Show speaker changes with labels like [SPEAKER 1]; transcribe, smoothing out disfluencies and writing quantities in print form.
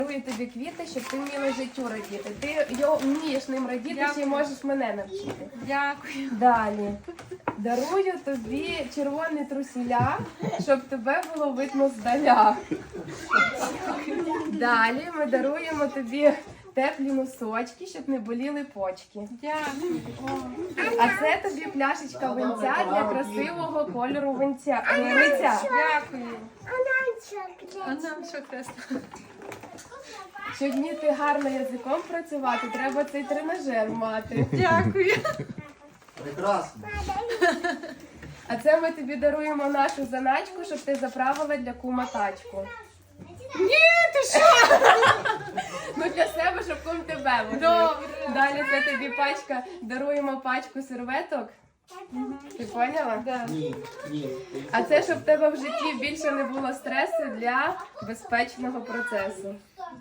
[SPEAKER 1] Дарую тобі квіти, щоб ти вміла життю радіти. Ти вмієш ним радіти, ще й можеш мене навчити.
[SPEAKER 2] Дякую.
[SPEAKER 1] Далі. Дарую тобі червоні трусіля, щоб тебе було видно здаля. Далі ми даруємо тобі теплі носочки, щоб не боліли почки.
[SPEAKER 2] Дякую.
[SPEAKER 1] А це тобі пляшечка винця для красивого кольору винця.
[SPEAKER 2] Дякую. А нам що красно?
[SPEAKER 1] Щоб вміти гарно язиком працювати, треба цей тренажер мати.
[SPEAKER 2] Дякую.
[SPEAKER 3] Прекрасно.
[SPEAKER 1] А це ми тобі даруємо нашу заначку, щоб ти заправила для кума тачку.
[SPEAKER 2] Ні, ти що?
[SPEAKER 1] Ну для себе, щоб кум тебе возив.
[SPEAKER 2] Добре.
[SPEAKER 1] Далі це тобі пачка, даруємо пачку серветок. Ти поняла?
[SPEAKER 2] Да.
[SPEAKER 3] Ні, ні.
[SPEAKER 1] А це, щоб в тебе в житті більше не було стресу для безпечного процесу.